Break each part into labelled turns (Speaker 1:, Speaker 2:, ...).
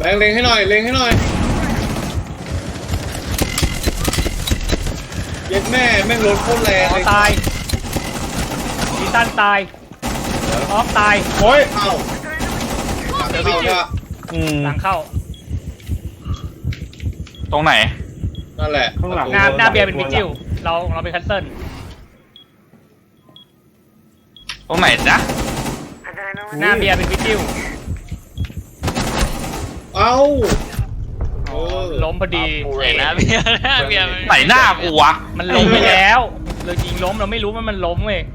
Speaker 1: เล็งให้หน่อยเล็งให้หน่อยเย็ดแม่แม่งรถโคตรแรงเลย
Speaker 2: ตายอีตันตายออฟตาย
Speaker 1: โอ้ยเข้า
Speaker 2: เดี๋ยววิจิวหลังเข้า
Speaker 3: ตรงไหน
Speaker 1: นั่นแหละ
Speaker 2: ข้างหลังหน้าเบียร์เป็นวิจิวเราเป็นคัสเซิล
Speaker 3: ตรงไหนจ๊ะ
Speaker 2: หน้าเบียร์เป็นวิจิว
Speaker 1: เอ้า
Speaker 2: ล้มพอดี
Speaker 4: ไหนนะเบียร์
Speaker 3: ไหนหน้ากูวะ
Speaker 2: มันล้มไปแล้วเรายิงล้มเราไม่รู้ว่ามันล้มเว้ย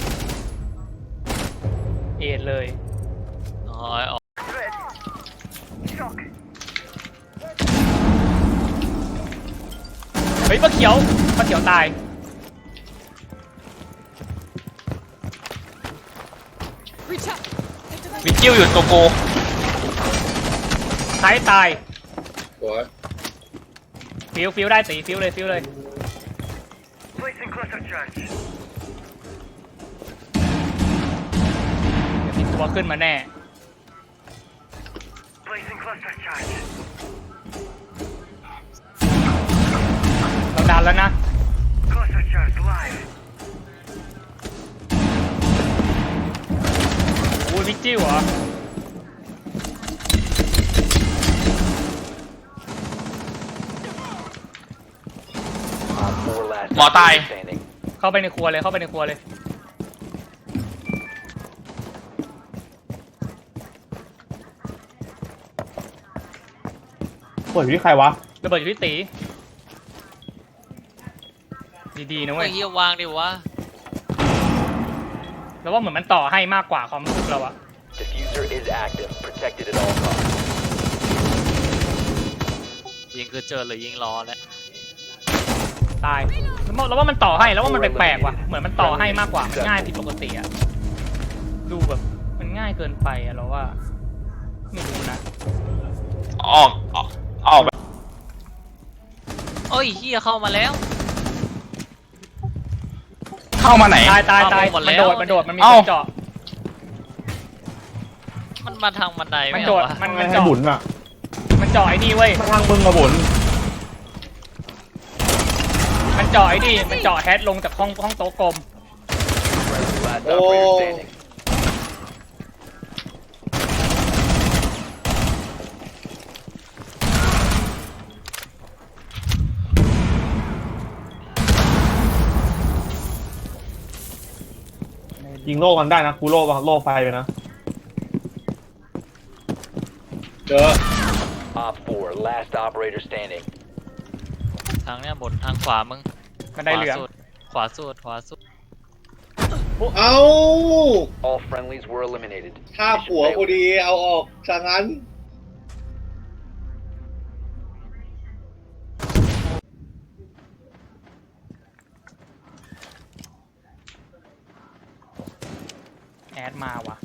Speaker 2: เอ็ดเลยเฮ้ยปลาเขียวตาย
Speaker 3: วิจิวอยู่โตโก
Speaker 2: ท้ายตาย
Speaker 1: สวย
Speaker 2: ฟิวได้ตีฟิวเลยมีตัวขึ้นมาแน่เราดันแล้วนะโอ้ยวิจิวเหรอ
Speaker 3: หมอตาย
Speaker 2: เข้าไปในครัวเลย
Speaker 5: เปิดอยู่ที่ใครวะ
Speaker 2: ระเบิดอยู่ที่ตีดีๆนะเว้ย
Speaker 4: เฮียวางดิวะ
Speaker 2: แล้วว่าเหมือนมันต่อให้มากกว่าความรู้สึกเราอะ
Speaker 4: ยิงคือเจอหรือยิงล้อแล้ว
Speaker 2: ตายแล้วว่ามันต่อให้แล้วว่ามันแปลกๆว่ะเหมือนมันต่อให้มากกว่ามันง่ายผิดปกติอะดูแบบมันง่ายเกินไปอะเราว่าไม่รู้นะ
Speaker 3: ออก
Speaker 4: โอ้ยเฮียเข้ามาแล้ว
Speaker 3: เข้ามาไหน
Speaker 2: ตายมันโดดมันมีคนเจาะ
Speaker 4: มันมาทางบันได
Speaker 2: มันโดดมันเจาะ
Speaker 5: บุญอ่ะ
Speaker 2: มันเจาะไอ้นี่เว้ย
Speaker 5: ทางมึงมาบุญ
Speaker 2: มันเจาะไอ้นี่มันเจาะแฮชลงจากห้องโต๊ะกลม
Speaker 1: โอ้
Speaker 5: ยิงโล่มันได้นะกูโล่ไฟไปนะ
Speaker 1: เจอ
Speaker 4: ทางเนี้ยบนทางขวามึง
Speaker 2: มันได้เหลือง
Speaker 4: ขวาสุด
Speaker 1: เอาฆ่าผัวพอดีเอาออกซะงั้น
Speaker 2: แอดมาว่ะ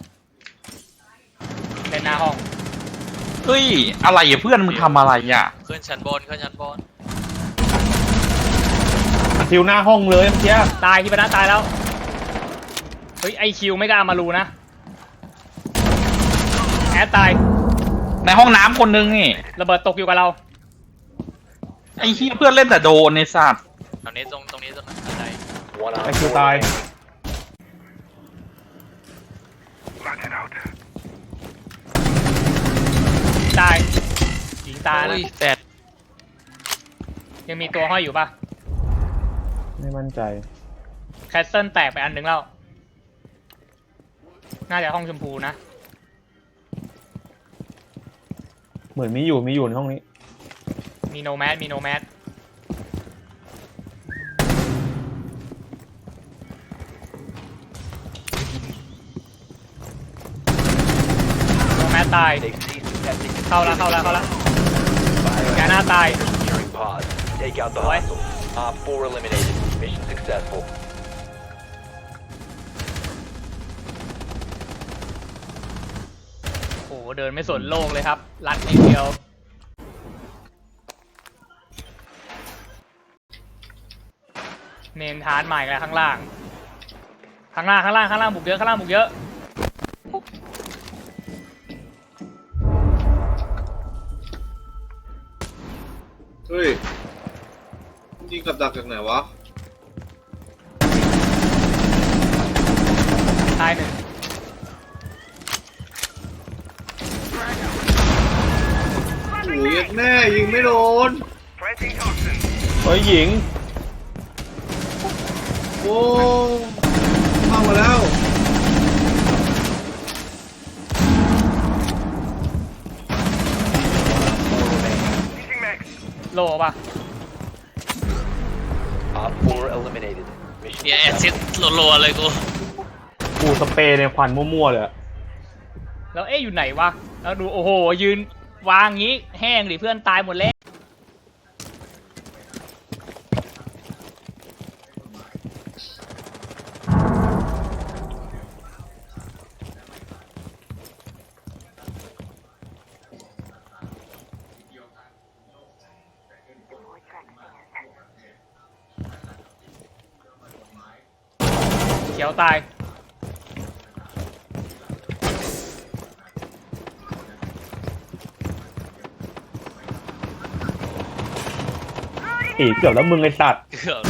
Speaker 2: เป็นหน้าห้อง
Speaker 3: เฮ้ยอะไรอ่ะเพื่อนมึงทำอะไรอ่ะ
Speaker 4: ขึ้นชั้นบน
Speaker 5: ทิวหน้าห้องเลยเมื่อกี้
Speaker 2: ตายที่ปะนะตายแล้วเฮ้ยไอคิวไม่กล้ามารูนะแอดตาย
Speaker 3: ในห้องน้ำคนนึงนี่
Speaker 2: ระเบิดตกอยู่กับเรา
Speaker 3: ไอ้ที่เพื่อนเล่นแต่โดนในสัตว์
Speaker 4: ตรงนี้ตรงไหน
Speaker 5: ไอคิวตาย
Speaker 2: ยิงตายนะ
Speaker 4: แฟด
Speaker 2: ยังมีตัวห้อยอยู่ปะ
Speaker 5: ไม่มั่นใจ
Speaker 2: แคสเซิลแตกไปอันหนึ่งแล้วน่าจะห้องชมพูนะ
Speaker 5: เหมือนมีอยู่ในห้องนี้
Speaker 2: มีโนแมสโนแมสตายเข้าแล้วแกหน้าตายโอ้โหเดินไม่สนโลกเลยครับรัดนิดเดียวเมนทานใหม่กันข้างล่างบุกเยอะ
Speaker 1: กับดักจากไหนวะ
Speaker 2: ตายหนึ่ง
Speaker 1: โอ้ยแน่ยิงไม่โดน
Speaker 5: เฮ้ยหญิง
Speaker 1: โอ้เข้ามาแล้ว
Speaker 2: โลป่ะ
Speaker 6: Op 4 eliminated. Mission
Speaker 4: เนี่ยแอซิดรัวๆเลยกู
Speaker 5: กูสเปรย์ในควันมั่วๆเลยอะ
Speaker 2: แล้วอยู่ไหนวะแล้วดูโอ้โหยืนวางงี้แห้งดิเพื่อนตายหมดแล้วเขียวตาย
Speaker 5: อีเกือบแล้วมึงไอ้สัตว์
Speaker 4: เกือบ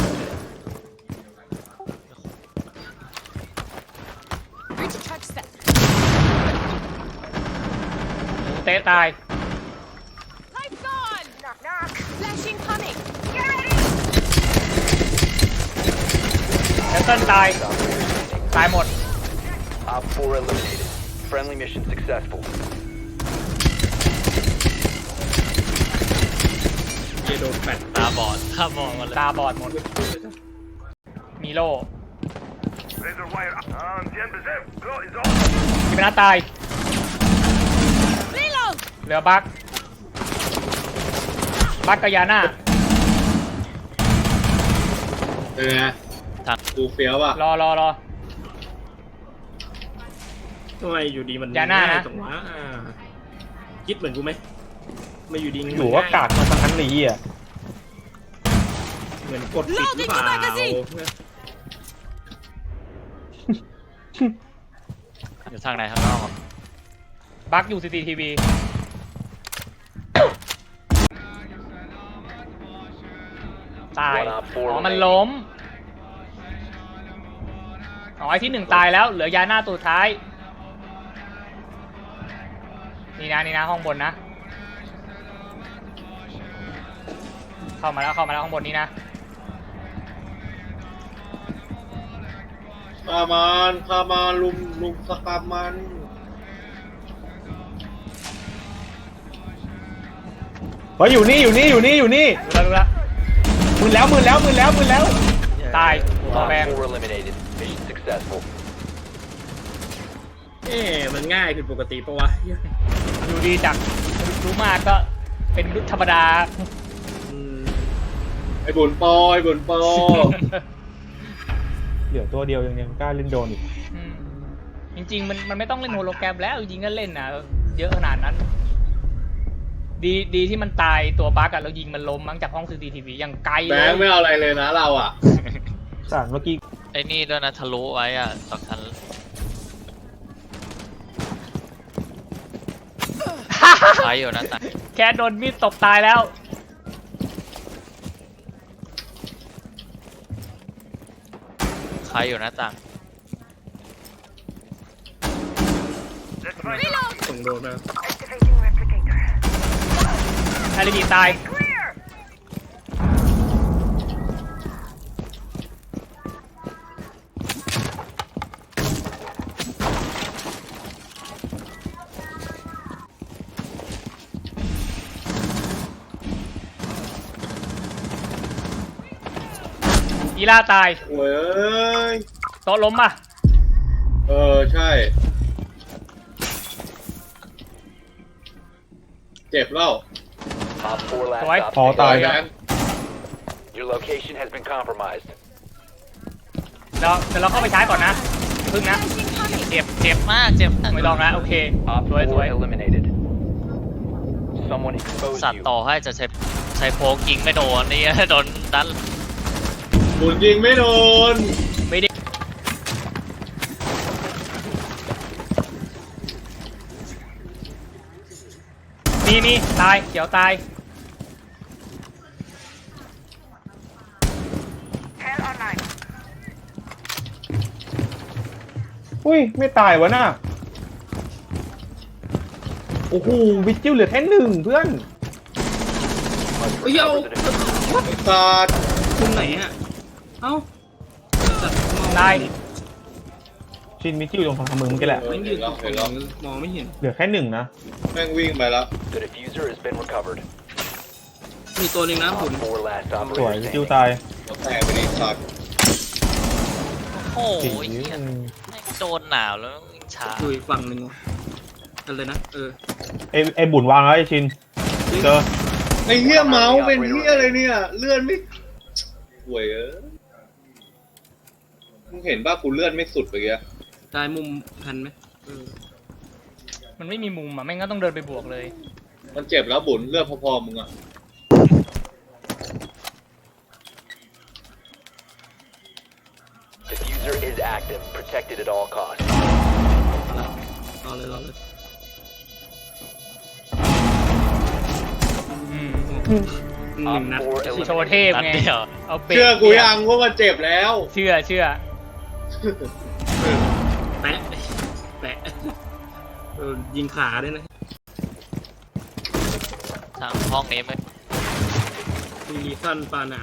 Speaker 2: เตะตาย
Speaker 7: Lights on! Knock knock. Flashing coming.
Speaker 2: แคนเซิลตาย ตายหมด
Speaker 6: Op 4 eliminated. Friendly mission successful.
Speaker 4: ตาบอดมาเลย
Speaker 2: ตาบอดหมด มีโล่ที่เป็นหน้าตาย
Speaker 7: Reload!
Speaker 2: เหลือบักกับยาน่า
Speaker 1: เป็นไงกูเฟี้ยวป่ะ
Speaker 2: รอ
Speaker 8: ทำไมอยู่ดีมัน
Speaker 2: อย่าหน้านะ
Speaker 8: ง่ยจังวะคิดเหมือนกูไหมมาอยู่ดีมัน
Speaker 5: อยู่ว่ากากมาทั้งนั้นเลยอ่ะ
Speaker 8: เหมือนกดปิดหรือเปล่า
Speaker 7: Loading the magazine
Speaker 4: อยู่ทางไหนข้างนอกอะ
Speaker 2: บักอยู่ CCTV ตาย อ๋อ มันล้ม อ๋อ ไอ้ที่หนึ่งตายแล้ว เหลือยาหน้าตัวท้าย นี่นะห้องบนนะ เข้ามาแล้วห้องบนนี้นะ
Speaker 1: ฆ่ามันลุมสกามมัน
Speaker 5: เฮ้ยอยู่นี่
Speaker 2: ดูแล้ว
Speaker 5: มือแล้ว
Speaker 2: ตาย
Speaker 6: Op
Speaker 2: ตัวแบง
Speaker 6: 4 eliminated. Mission successful.
Speaker 8: มันง่ายผิดปกติปะวะ
Speaker 2: ดูดีจากรู้มากก็เป็นธรรมดา
Speaker 8: อืม
Speaker 1: ไอ้บุญปอ
Speaker 5: เหลือตัวเดียวยังกล้าเล่นโดนอีก
Speaker 2: อืมจริงๆมันไม่ต้องเล่นโฮโลแกรมแล้วจริงๆก็เล่นนะเยอะขนาดนั้น ดีที่มันตายตัวบั๊กอะเรายิงมันล้มมั้งจากห้อง CCTV อย่างไกล
Speaker 1: แบ
Speaker 2: เลย
Speaker 1: งค์ไม่เอาอะไรเลยนะเราอ่ะ
Speaker 5: สารเมื่อกี้
Speaker 4: ไอ้นี่ด้วยนะทะลุไว้อ่ะสองชั้นใช้อยู่นะแต่
Speaker 2: แค่โดนมีดตบตายแล้ว
Speaker 4: ใช้อยู่นะต่าง
Speaker 7: Reload!
Speaker 8: ส่งโดนมา
Speaker 2: อาริจิตาย อีล่าตาย
Speaker 1: โอ้ย
Speaker 2: โต๊ะล้มป่ะ
Speaker 1: ใช่ เจ็บแล้ว
Speaker 6: Op 4 last
Speaker 2: Rồi.
Speaker 6: stop
Speaker 5: พอตาย
Speaker 1: แบ
Speaker 6: standing.
Speaker 1: งค์
Speaker 6: Your location has been compromised.
Speaker 2: เดี๋ยวเราเข้าไปใช้ก่อนนะพึ่งนะ
Speaker 7: Flashing coming!
Speaker 4: เจ็บมากเจ็บ
Speaker 2: ไม่ลองนะโอเค
Speaker 6: Op
Speaker 2: สวย
Speaker 6: 4 eliminated. Someone exposed
Speaker 4: สัตว์
Speaker 6: you.
Speaker 4: ต่อให้จะใช้โพกยิงไม่โดนนี่ โดนดัน
Speaker 1: บุญยิงไม่โดน
Speaker 2: ไม่ได้นี่ตายเขียวตาย
Speaker 5: อุ้ยไม่ตายวะน่ะโอ้โหวิจิวเหลือแค่หนึ่งเพื่อน
Speaker 8: เฮ้ยเอา
Speaker 1: ไอ้สัตว์
Speaker 8: มุมไหนอ่ะเอ้าจัดมอง
Speaker 2: ตาย
Speaker 5: ชินวิจิวตรงทางมึงเมื่อกี้แหละ
Speaker 8: ไม่ยืนตรงมองไม่เห็น
Speaker 5: เหลือแค่หนึ่งนะ
Speaker 1: แม่งวิ่งไปแล้ว
Speaker 6: The diffuser has been recovered.
Speaker 8: มีตัวหนึงนะผม
Speaker 6: Op 4 last
Speaker 5: สวย
Speaker 6: operator
Speaker 5: วิจิว
Speaker 6: standing.
Speaker 5: ตาย
Speaker 1: แล้วแต่ไปดิสัตว์
Speaker 4: โอ้โห
Speaker 5: สี
Speaker 4: เหี้ย
Speaker 5: อืม
Speaker 4: แม่งโดนหนาวแล้ววิ่งช้า
Speaker 8: ดูอีกฝั่งหนึ่งวะอะไรนะ
Speaker 5: ไอ้บุญวางแล้วไอ้ชินเจอ
Speaker 1: ไอ้เหี้ยเมาส์เป็นเหี้ยอะไรเนี่ยเลื่อนไม่ห่วยมึงเห็นป่ะกูเลื่อนไม่สุดไปเงี้ย
Speaker 8: ได้มุมทันไหม
Speaker 2: มันไม่มีมุมอ่ะแม่งก็ต้องเดินไปบวกเลย
Speaker 1: มันเจ็บแล้วบุญเลือดพอๆมึงอ่ะ
Speaker 6: Diffuser is active, protected at all costs.
Speaker 8: รอเลย
Speaker 2: อืม
Speaker 8: หนึ่งนัด
Speaker 6: Op 4
Speaker 2: โชว์เทพ
Speaker 6: eliminated.
Speaker 2: ไง
Speaker 4: นัดเดียว
Speaker 2: เอาเบรก
Speaker 1: เชื่อกูยังว่ามันเจ็บแล้ว
Speaker 2: เชื่อ
Speaker 8: แปะยิงขาด้วยนะ
Speaker 4: ทางห้องนี้ไม่
Speaker 8: มีรีฟันปลาหนาม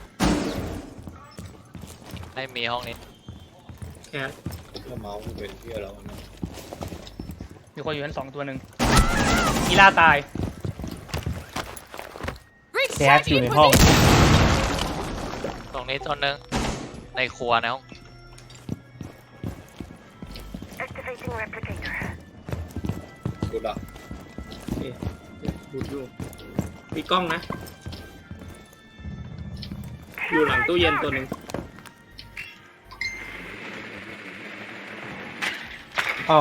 Speaker 4: ไม่มีห้องนี้
Speaker 8: แคท
Speaker 1: ถ้าเมาส์กูเป็นเหี้ยแล้วนะ
Speaker 2: มีคนอยู่ชั้น2ตัวหนึ่งกีฬาตาย
Speaker 5: แก๊สอยู่ในห้อง
Speaker 4: ตรงนี้ตัวหนึงในครัวในห้อง
Speaker 7: Activating replicator.
Speaker 1: กูดัก
Speaker 8: โอเคดูดอยู่มีกล้องนะ อยู่หลังตู้เย็นตัวหนึ่ง
Speaker 5: เอา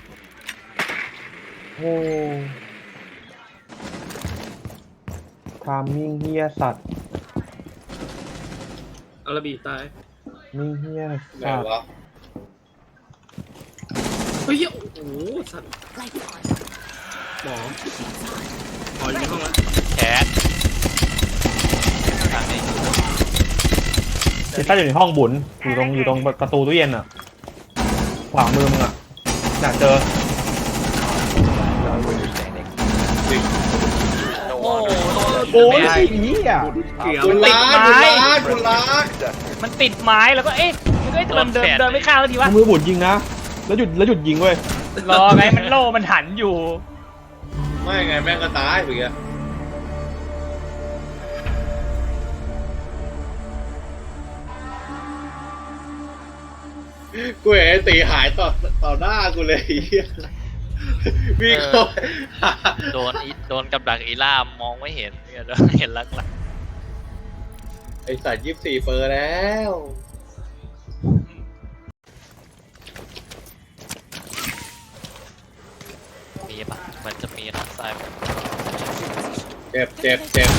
Speaker 5: โอ้ทามมิ่งเฮียสัตว์
Speaker 8: อาราบีตาย
Speaker 5: มิ่งเฮีย
Speaker 1: ไหน
Speaker 5: สัตว์
Speaker 1: วะ
Speaker 8: เฮ้ยโอ้โหสัตว์หมออยู่ในห้องแล้ว
Speaker 4: แคสทางนี้
Speaker 5: ซิต้าอยู่ในห้องบุญอยู่ตรงประตูตู้เย็นอ่ะขวามือมึงอ่ะน่ะเจอ
Speaker 6: Operator standing. No
Speaker 4: โอ้
Speaker 6: longer
Speaker 5: โอ้ย
Speaker 2: ไม่ได้
Speaker 5: เฮีย
Speaker 8: เกือบ
Speaker 1: กู
Speaker 2: ติด
Speaker 1: ล้า
Speaker 2: ไม้
Speaker 1: กูล้า
Speaker 6: successful.
Speaker 2: มันติดไม้แล้วก็เอ๊ะมันก็เดินไม่เข้าทีวะ
Speaker 5: มือบุญยิงนะแล้วหยุดยิงเว้ย
Speaker 2: รอไงมันโล่มันหันอยู่
Speaker 1: ไม่ไงแม่งก็ตายไปเงี้ยกูเห็นไอ้ตีหายต่อหน้ากูเลยไอ้เหี้ยวิ่งเข้าไป
Speaker 4: โดนกับดักอีล่ามมองไม่เห็นเนี่ยเห็นลัก
Speaker 1: ไอสัตว์24 เปอร์แล้ว
Speaker 4: ๆมีปะมันจะมีทางซ้ายปะ
Speaker 1: เจ็บ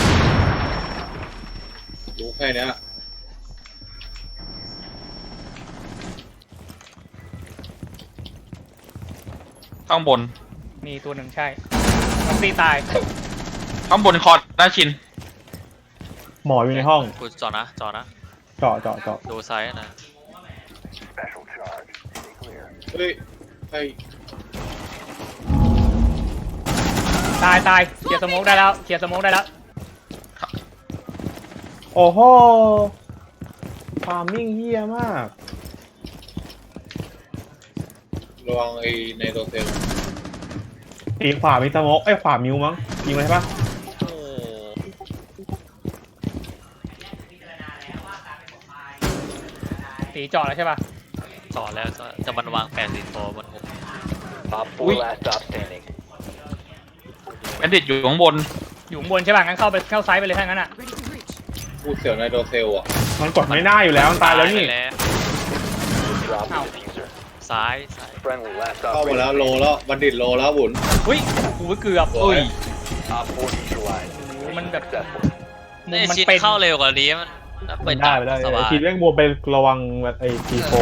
Speaker 1: รู้แค่เนี้ย
Speaker 3: ข้างบน
Speaker 2: มีตัวหนึ่งใช่มันตีตาย
Speaker 3: ข้างบนคอร์ดหน้าชิน
Speaker 5: หมออยู่ในห้อง
Speaker 4: กูจอนะ
Speaker 5: เจาะ
Speaker 4: ดูซ้ายนะ
Speaker 1: เฮ้ยไอ้
Speaker 2: ตายเคลียร์สโมกได้แล้ว
Speaker 5: โอ้โหทามมิ่งเฮียมาก
Speaker 1: ระวังไอ้ในโรเซล
Speaker 5: ตีขวามีสโมกขวามิวมั้งยิงไหมใช่ปะ
Speaker 4: โอ้
Speaker 2: ตีเจาะแล้วใช่ป่ะ
Speaker 4: ต่อแล้วจะมันวาง80โฟบนหัว
Speaker 6: Op 4 last stop standing.
Speaker 3: แบนดิตอยู่ข้างบน
Speaker 2: อยู่ข้างบนใช่ป่ะงั้นเข้าไซส์ไปเลยถ้างั้นอ่ะ
Speaker 1: พูดเสียวในโรเซลอ่ะ
Speaker 5: มันกดไม่ได้อยู่แล้วมันตายแล้วนี่
Speaker 4: ไปแล้ว
Speaker 6: Drop the
Speaker 2: Ow.
Speaker 6: diffuser.
Speaker 4: ซ้าย
Speaker 6: Friendly last
Speaker 1: เข้ามา
Speaker 6: operator
Speaker 1: แล้วโล
Speaker 6: standing.
Speaker 1: แล้วบัณฑิตโลแล้วบุญ
Speaker 2: อุ้ยกูเกือบ
Speaker 1: โอ้ย
Speaker 6: Op 4 neutralized.
Speaker 2: Mình
Speaker 6: Mission
Speaker 2: đập-
Speaker 6: successful.
Speaker 2: มุม
Speaker 4: นี่
Speaker 2: มัน
Speaker 4: ชิด
Speaker 2: เป็น
Speaker 4: เข้าเร็วกว่านี้มันไป
Speaker 5: ได้ไปได้
Speaker 4: สบาย
Speaker 5: ทีแม่งมัวไประวังไอ้ทีโฟ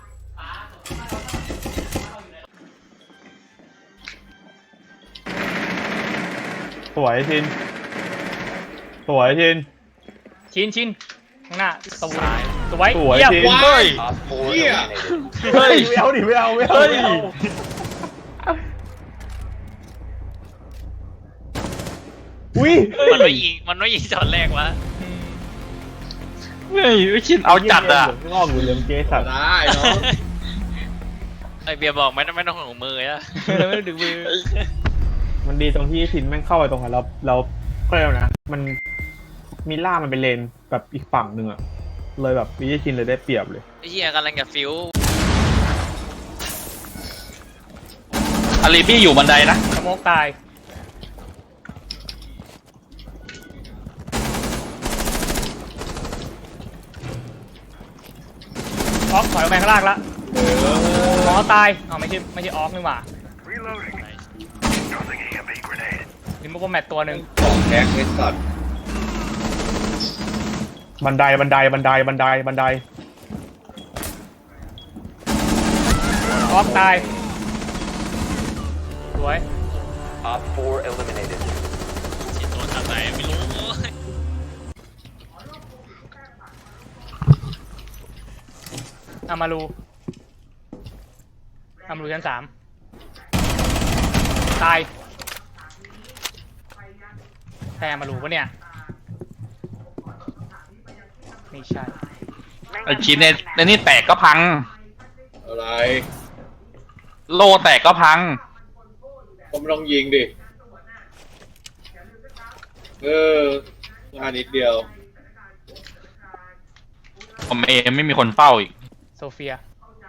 Speaker 5: สวยชิน
Speaker 2: ชินข้างหน้าตู
Speaker 4: ซ้าย
Speaker 2: สวย
Speaker 5: สวย
Speaker 2: เยี่ยม
Speaker 5: จริง
Speaker 1: ว้าย
Speaker 6: Op 4
Speaker 1: Yeah.
Speaker 6: eliminated.
Speaker 3: เฮ้ย
Speaker 5: ไม่เอาดิไม่เอาไม่เอา
Speaker 3: เฮ้ย
Speaker 5: ไม่เอาอุ้ย
Speaker 4: มันไม่ยิงช็อตแรกวะ
Speaker 3: เฮ้ยไอ้ชินเอาจัดอ่ะ
Speaker 5: งอกอยู่เลยเมื่อกี้สัตว์
Speaker 1: ได้เนาะ
Speaker 4: ไอเบียร์บอกไม่ต้องห่วงมืออะ
Speaker 2: ไม่ได้ดึงมือ
Speaker 5: มันดีตรงที่ชินแม่งเข้าไปตรงนั้นเราก็เลยนะมันมีล่ามันเป็นเลนแบบอีกฝั่งหนึ่งอะเลยแบบวิชินเลยได้เปรียบเลย
Speaker 4: ไอ้เหี้ยกำลังจะฟิว
Speaker 3: อารีบี้อยู่บันไดนะ
Speaker 2: สโมกตายออกถอยออกไปข้างล่างละหมอตายอ๋อไม่ใช่ออกนี่หว่าลิมโบแมตตัวหนึ่ง
Speaker 1: ของแท็กไอ้สัตว์
Speaker 5: บันได
Speaker 2: ออกตายสวย
Speaker 6: Op 4 eliminated.
Speaker 4: ชิดโดนทางไหนไม่รู้
Speaker 2: อามารูชั้น3ตายแพ้อามารูปะเนี่ยไม่ใช่
Speaker 3: ไอ้ชินในนี่แตกก็พัง
Speaker 1: อะไร
Speaker 3: โลแตกก็พัง
Speaker 1: ก็ไม่ต้องยิงดิงานนิดเดียว
Speaker 3: ผมเองไม่มีคนเฝ้าอีก
Speaker 2: โซเฟีย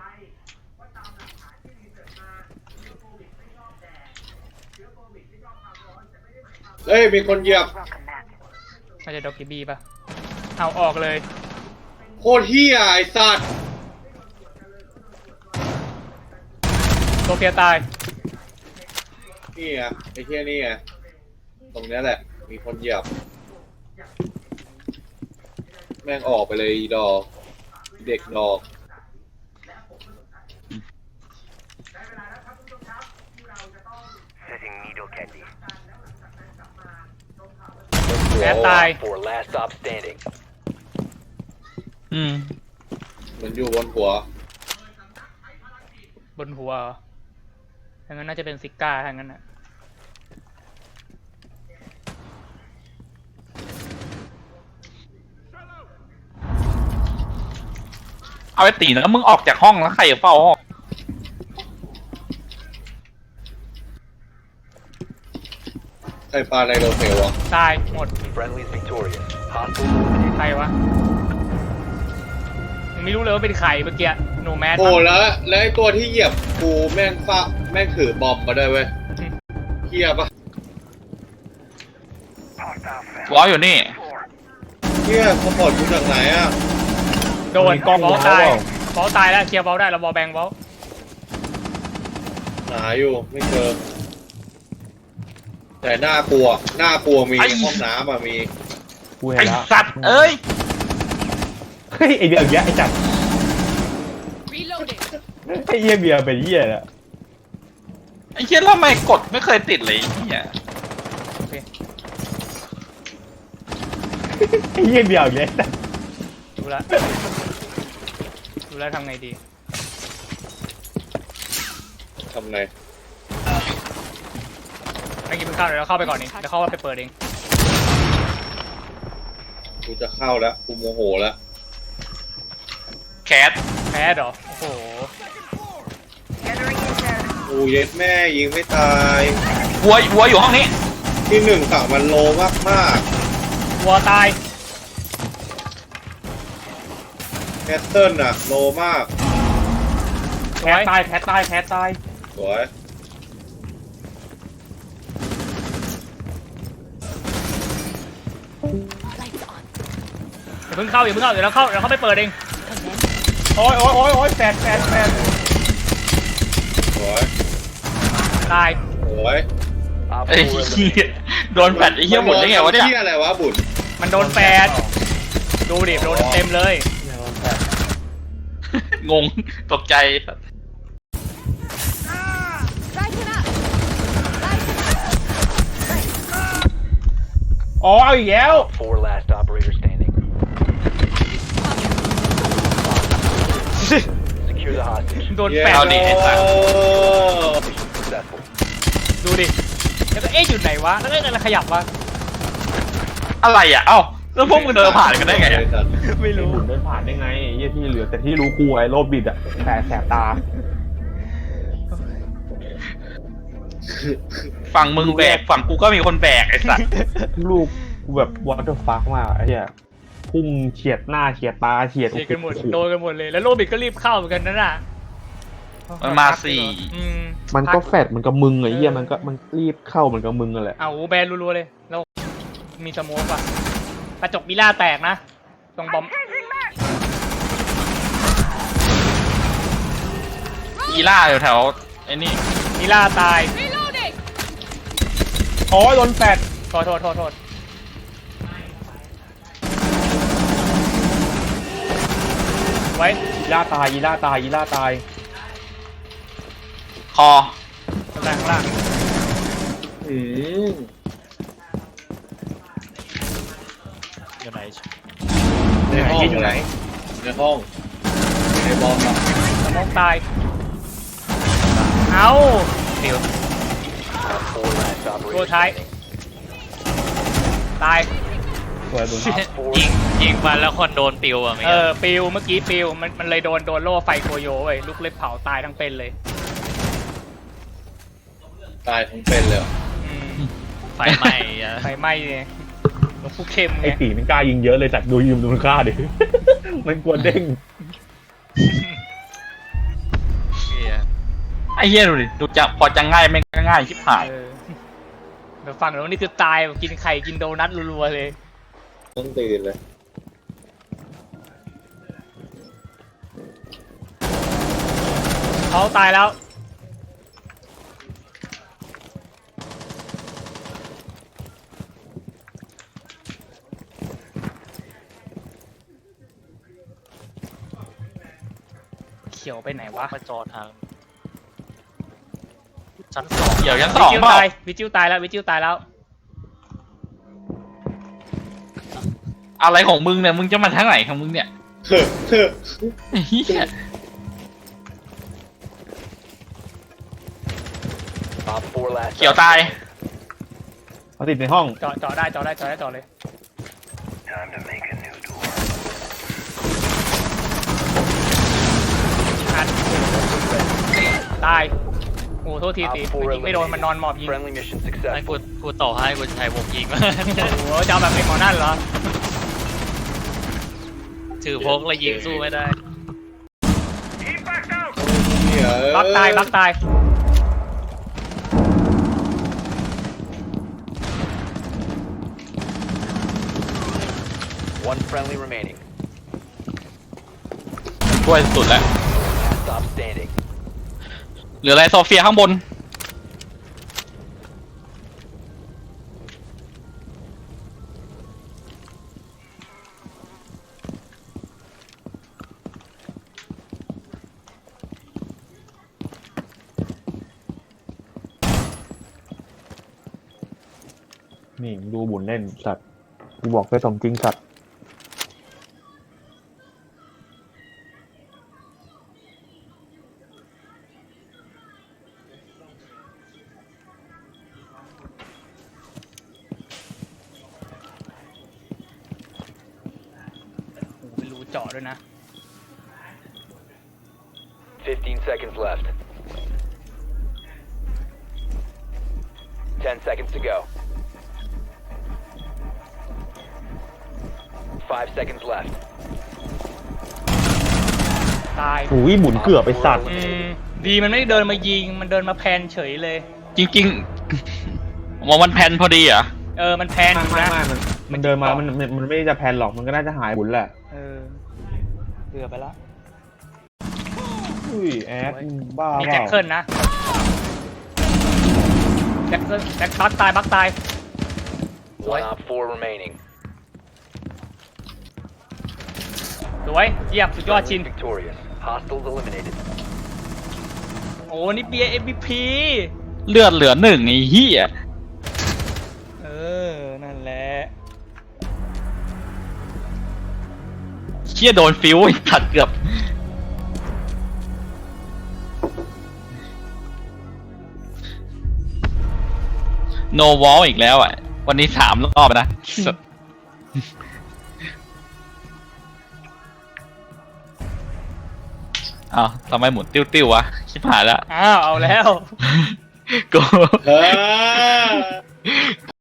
Speaker 1: เฮ้ยมีคนเหยียบ
Speaker 2: น่าจะดอกกิบีป่ะเอาออกเลย
Speaker 1: โคตรเฮียไอ้สัตว์
Speaker 2: โซเฟียตาย
Speaker 1: นี่ไงไอ้เฮียนี่ไงตรงเนี้ยแหละ มีคนเหยียบ แม่งออกไปเลยอีดอกเด็กดอก
Speaker 2: แพ้ตาย
Speaker 6: For last stop standing.
Speaker 3: อืม
Speaker 1: มันอยู่บนหัว
Speaker 2: บนหัวเหรอถ้างั้นน่าจะเป็นซิก้าถ้างั้นน่ะ
Speaker 3: เอาไอ้ตีแล้วมึงออกจากห้องแล้วใครจะเฝ้าห้อง
Speaker 1: ใครปาในโรเทลวะ
Speaker 2: ตายหมด
Speaker 6: Friendly's victorious. Hostile eliminated.
Speaker 2: ใครวะยังไม่รู้เลยว่าเป็นใครเมื่อกี้โนแมส
Speaker 1: โอ้แล้วไอ้ตัวที่เหยียบกูแม่งแม่งถือบอมมาด้วยเว้ยเฮียปะ
Speaker 3: วอลอยู่นี่
Speaker 1: เฮียสปอร์ตกูจากไหนอ่ะ
Speaker 2: โดน
Speaker 5: มีกล้อง
Speaker 2: บอล
Speaker 5: วอล
Speaker 2: ตาย
Speaker 5: เปล่า
Speaker 2: บอลตายแล้วเคลียร์บอลได้แล้วบอลแบงบอล
Speaker 1: หาอยู่ไม่เจอแต่น่ากลัวมี
Speaker 3: ไอ้
Speaker 1: ห้องน้ำอ่ะมี
Speaker 5: กูเห็
Speaker 3: ไอ้
Speaker 5: นแล้ว
Speaker 3: สัตว์เอ้ย
Speaker 5: เฮ้ยไอเบียร์อย่างเงี้ยไอจัด
Speaker 7: Reloading.
Speaker 5: ไอเหี้ยเบียร์เป็นเหี้ยแหละ
Speaker 3: ไอ้เชี่ยแล้วทำไมกดไม่เคยติดเลยไอ้เหี้ย
Speaker 2: โอเค
Speaker 5: ไอเหี้ยเบียร์อย่างเงี้ย
Speaker 2: ดูแลวทำไงดี
Speaker 1: ทำไง
Speaker 2: ไม่กินข้าวเดี๋ยวเราเข้าไปก่อนเองเดี๋ยวเข้าไปเปิดเอง
Speaker 1: กูจะเข้าแล้วกูโมโหแล้ว
Speaker 3: แคท
Speaker 2: แพ้เหรอโอ้โห
Speaker 1: กูเย็ดแม่ยิงไม่ตาย
Speaker 3: วัวอยู่ห้องนี้
Speaker 1: ที่หนึ่งฝั่งมันโลมาก
Speaker 2: วัวตาย
Speaker 1: แคสเซิลน่ะโลมาก
Speaker 5: แพ้ตาย
Speaker 1: สวย
Speaker 2: อย่าเพิ่งเข้าเดี๋ยวเราเข้าไปเปิดเอง
Speaker 5: โอ้ยแฟด
Speaker 1: สวย
Speaker 2: ตาย
Speaker 1: สวย
Speaker 6: Op 4
Speaker 3: ไอ้เหี้ย
Speaker 6: eliminated.
Speaker 3: โดนแฟดไอ้เหี้ยหมดได้ไงวะเนี่ย
Speaker 1: เหี้ยอะไรวะบุญ
Speaker 2: มันโดนแฟดดูดิโดนเต็มเลย
Speaker 3: งงตกใจ
Speaker 7: Lighten up. Lighten up.
Speaker 5: อ๋อเอาอีกแล้ว
Speaker 6: Op 4 last operator standing. Secure the hostage.
Speaker 2: โดนแปะ
Speaker 3: เอาดิไอ้สัตว์
Speaker 6: Successful.
Speaker 2: ดูดิแล้วก็เอ๊ะอยู่ไหนวะแล้วก็อะไรขยับวะ
Speaker 3: อะไรอ่ะ เอ้าแล้วพวกมึงเดินผ่านกันได้ไงอะ
Speaker 2: ไม่รู้
Speaker 5: เดินผ่านได้ไงไอ้เหี้ยที่เหลือแต่ที่รู้กูไอ้โรบบิดอะแต่แสบตา
Speaker 3: ฝั่งมึงแบกฝั่งกูก็มีคนแบกไอ้สัตว์
Speaker 5: ลูกกูแบบวอเตอร์ฟักมากไอ้เหี้ยพุ่งเฉียดหน้าเฉียดตาเฉียด
Speaker 2: เฉียดกันหมดโดนกันหมดเลยแล้วโรบิทก็รีบเข้าเหมือนกันนั่นน่ะ
Speaker 3: มันมาสี่
Speaker 2: อืม
Speaker 5: มันก็แฟดมันก็มึงไอ้เหี้ยมันรีบเข้ามันก็มึงนั่นแหละ
Speaker 2: เอาแบนรัวๆเลยแล้วมีสโมกว่ะกระจกมิล่าแตกนะตรงบอม
Speaker 3: อีล่าอยู่แถวไอ้นี่
Speaker 2: มิล่าตาย
Speaker 7: Reloading!
Speaker 5: อ๋อโดนแฟด
Speaker 2: โทษไว้
Speaker 5: อีล่าตายอีล่าตายอีล่าตาย
Speaker 3: คอ
Speaker 2: ข้างล่าง
Speaker 1: อืม
Speaker 4: อยู่ไหน
Speaker 1: ในห้อง
Speaker 5: อยู่ไหน
Speaker 1: ในห้องในบอมอะ
Speaker 2: สโมกตายเอา
Speaker 4: ฟิว
Speaker 6: 4 last
Speaker 2: ตัว
Speaker 6: operator
Speaker 2: ท้าย
Speaker 6: standing.
Speaker 2: ตาย
Speaker 5: สวยบุญ
Speaker 4: ยิงมาแล้วคนโดนปิวอ่ะไม่
Speaker 2: ปิวเมื่อกี้ปิวมันเลยโดนโล่ไฟโคโยเว้ยลูกเล็บเผาตายทั้งเป็นเลย
Speaker 1: ตายทั้งเป็นเลยเหรอ
Speaker 2: อืม
Speaker 4: ไฟไหม้อะ
Speaker 2: ไฟไหม้เนี่ยหลวงผู้เข้มไง
Speaker 5: ไอ้ตีมันกล้ายิงเยอะเลยจัดดูยิมดูมันกล้าดิ มันกลัวเด้ง
Speaker 4: เหี้ย
Speaker 3: ไอ้เหี้ยดูดิดูจะพอจะง่ายไม่ง่ายชิบหาย
Speaker 2: เออเดี๋ยวฟังแล้วนี่คือตายกินไข่กินโดนัทรัวๆเลย
Speaker 1: ต้องตื่นเลย
Speaker 2: เขาตายแล้วเขียวไปไหนวะ
Speaker 4: มาจอทางชั้นสอง
Speaker 3: เดี๋ยวยัน
Speaker 2: วิ
Speaker 3: สอง
Speaker 2: จิว
Speaker 3: เปล่า
Speaker 2: ตายวิจิวตายแล้ววิจิวตายแล้ว
Speaker 3: อะไรของมึงเนี่ยมึงจะมาทางไหนของมึงเนี่ยไอ้เหี้ย
Speaker 6: Op 4 last
Speaker 3: เขียวตาย
Speaker 5: เขาติดในห้อง
Speaker 2: เจาะได้เลย อัดตาย โอ้โทษที
Speaker 6: Op
Speaker 2: ตี
Speaker 6: 4
Speaker 2: ยิงไม่โดนมันนอนหมอบยิง
Speaker 6: Friendly mission
Speaker 4: ไอ้
Speaker 6: successful.
Speaker 4: กูต่อให้กูใช้วงยิง
Speaker 2: โอ้โหจะเอาแบบเป็นหมอนั่นเหรอ
Speaker 4: ถือพกแล้วยิงสู้ไม่ได้
Speaker 2: บักตาย
Speaker 6: One friendly remaining.
Speaker 3: ช่วยสุดแล้ว
Speaker 6: Last stop standing.
Speaker 3: เหลืออะไรโซเฟียข้างบน
Speaker 5: นี่ดูบุญเล่นสัตว์กูบอกไปสมจริงสัตว์
Speaker 2: โอ้โหเป็นรูเจาะด้วยนะ
Speaker 6: 15 seconds left. 10 seconds to go. 5 seconds left.
Speaker 2: ตาย
Speaker 5: หูยหมุนเกือบไปสัตว์
Speaker 2: อืมดีมันไม่ได้เดินมายิง มันเดินมาแพนเฉยเลย
Speaker 3: จริงๆมองมันแพนพอดีเหรอ่ะ
Speaker 2: มันแพนอยู่นะ
Speaker 5: มันเดินมามันไม่ได้จะแพนหรอกมันก็น่าจะหายบุญแหละ
Speaker 2: เดือไปแล้ว
Speaker 5: อุ้ยแอดบ้า
Speaker 2: มี
Speaker 5: เป
Speaker 2: แจ็ค
Speaker 5: ล่า
Speaker 2: เกิลนะ แจ็คบักตาย
Speaker 6: One op 4 remaining.
Speaker 2: สวย เยี่ยมสุดยอดชิน
Speaker 6: Friendly victorious. Hostiles eliminated.
Speaker 2: โอ้นี่เบียร์ MVP
Speaker 3: เลือดเหลือหนึ่งไอ้เหี้ย
Speaker 2: นั่นแหละ
Speaker 3: เชี่ยโดนฟิวไอ้สัตว์เกือบ no wall อีกแล้วอ่ะ วันนี้3 รอบนะ อ้าวทำไมหมุนติ้วๆวะ ชิบหายแล้ว
Speaker 2: อ้าวเอาแล้ว
Speaker 3: กู
Speaker 1: เออ